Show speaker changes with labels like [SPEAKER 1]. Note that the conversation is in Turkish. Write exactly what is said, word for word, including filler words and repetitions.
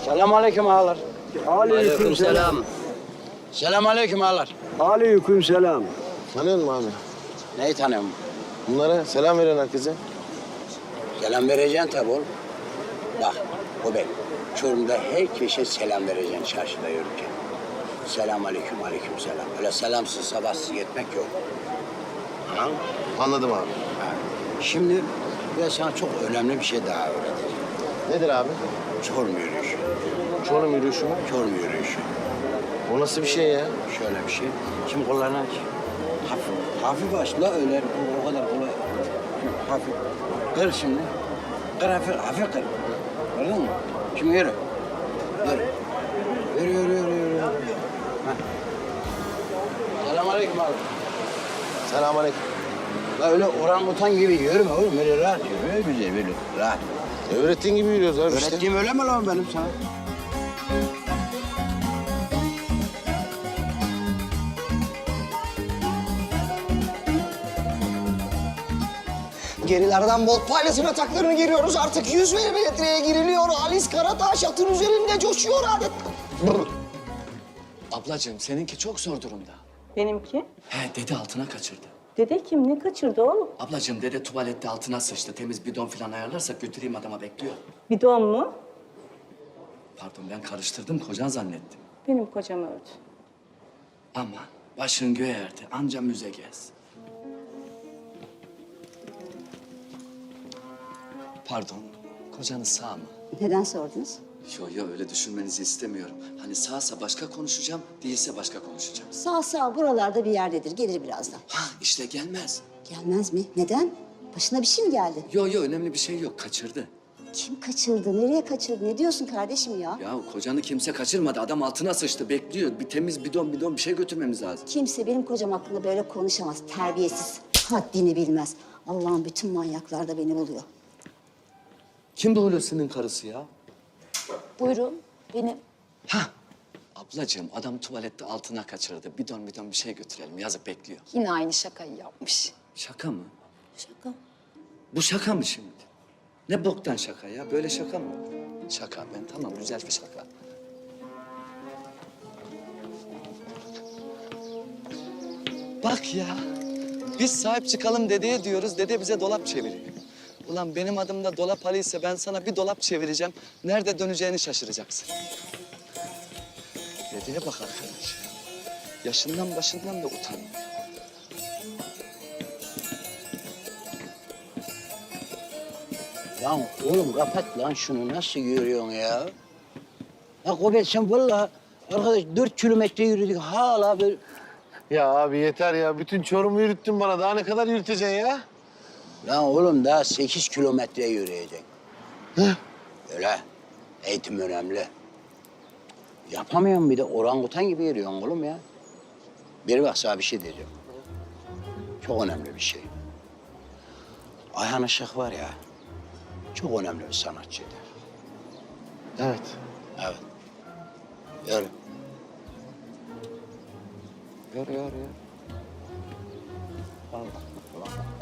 [SPEAKER 1] Selamünaleyküm ağalar.
[SPEAKER 2] Aleykümselam.
[SPEAKER 1] Selamünaleyküm ağalar.
[SPEAKER 3] Aleykümselam.
[SPEAKER 2] Tanıyor musun abi?
[SPEAKER 1] Neyi tanıyorum?
[SPEAKER 2] Bunlara selam veren herkese.
[SPEAKER 1] Selam vereceksin tabii oğlum. Bak, o ben. Çorum'da herkese selam vereceksin çarşıda yürürken. Selamünaleyküm, aleyküm selam. Öyle selamsız, sabahsız gitmek yok. Anladın mı?
[SPEAKER 2] Anladım abi.
[SPEAKER 1] Ha. Şimdi ben sana çok önemli bir şey daha öğreteceğim.
[SPEAKER 2] Nedir abi?
[SPEAKER 1] Çorum yürüyüşü.
[SPEAKER 2] Çorum yürüyüşü mü?
[SPEAKER 1] Çorum yürüyüşü.
[SPEAKER 2] O nasıl bir şey ya?
[SPEAKER 1] Şöyle bir şey. Şimdi kollarını aç. Hafif, hafif aç la öyle. O, o kadar kolay. Hafif. Kır şimdi. Kır hafif, hafif kır. Gördün mü? Şimdi yürü. Yürü. Yürü, yürü, yürü, yürü. Selamünaleyküm abi.
[SPEAKER 2] Selamünaleyküm.
[SPEAKER 1] La öyle orangutan gibi yürüme oğlum. Böyle rahat yürü. Böyle güzel, böyle rahat.
[SPEAKER 2] Öğrettiğin gibi yürüyoruz abi işte.
[SPEAKER 1] Öğrettiğim öyle mi lan benim sana?
[SPEAKER 4] Gerilerden bot paylaşım ataklarını giriyoruz. Artık yüz milimetreye giriliyor. Halis Karataş atın üzerinde coşuyor adet.
[SPEAKER 5] Ablacığım seninki çok zor durumda.
[SPEAKER 6] Benimki?
[SPEAKER 5] He dede altına kaçırdı.
[SPEAKER 6] Dede kim? Ne kaçırdı oğlum?
[SPEAKER 5] Ablacığım dede tuvalette altına sıçtı. Temiz bidon falan ayarlarsak götüreyim adama bekliyor.
[SPEAKER 6] Bidon mu?
[SPEAKER 5] Pardon ben karıştırdım kocan zannettim.
[SPEAKER 6] Benim kocam öldü.
[SPEAKER 5] Ama başın göğe erdi anca müze gez. Pardon kocanız sağ mı?
[SPEAKER 7] Neden sordunuz?
[SPEAKER 5] Yo yo öyle düşünmenizi istemiyorum. Hani sağsa başka konuşacağım, değilse başka konuşacağım.
[SPEAKER 7] Sağ sağ buralarda bir yerdedir. Gelir birazdan.
[SPEAKER 5] Ha işte gelmez.
[SPEAKER 7] Gelmez mi? Neden? Başına bir şey mi geldi?
[SPEAKER 5] Yo yo önemli bir şey yok kaçırdı.
[SPEAKER 7] Kim kaçırdı? Nereye kaçırdı? Ne diyorsun kardeşim ya?
[SPEAKER 5] Ya kocanı kimse kaçırmadı. Adam altına sıçtı bekliyor. Bir temiz bidon bidon bir şey götürmemiz lazım.
[SPEAKER 7] Kimse benim kocam hakkında böyle konuşamaz. Terbiyesiz. Haddini bilmez. Allah'ın bütün manyaklar da beni buluyor.
[SPEAKER 5] Kim bu Hulusi'nin karısı ya?
[SPEAKER 7] Buyurun. Benim.
[SPEAKER 5] Ha. Ablacığım adam tuvalette altına kaçırdı. Bidon bidon bir şey götürelim. Yazık bekliyor.
[SPEAKER 8] Yine aynı şakayı yapmış.
[SPEAKER 5] Şaka mı?
[SPEAKER 7] Şaka.
[SPEAKER 5] Bu şaka mı şimdi? Ne boktan şaka ya? Böyle şaka mı? Şaka ben tamam güzel bir şaka. Bak ya. Biz sahip çıkalım dedeye diyoruz. Dede bize dolap çeviriyor. Ulan benim adım da Dolap Ali ise ben sana bir dolap çevireceğim. Nerede döneceğini şaşıracaksın. Dedeye bak arkadaş ya. Yaşından başından da utanmıyor.
[SPEAKER 1] Lan oğlum kapat lan şunu. Nasıl yürüyorsun ya? Ya Kobet sen vallahi arkadaş dört kilometre yürüdük hala böyle...
[SPEAKER 2] Ya abi yeter ya. Bütün Çorum'u yürüttün bana. Daha ne kadar yürüteceksin ya?
[SPEAKER 1] Lan oğlum daha sekiz kilometre yürüyecek. Öyle. Eğitim önemli. Yapamıyorum bir de orangutan gibi yürüyorsun oğlum ya. Bir bak sana bir şey diyeceğim. Çok önemli bir şey. Ayhan Işık var ya, çok önemli bir sanatçıydı.
[SPEAKER 2] Evet.
[SPEAKER 1] Evet. Yürü. Yürü, yürü, yürü. Allah Allah.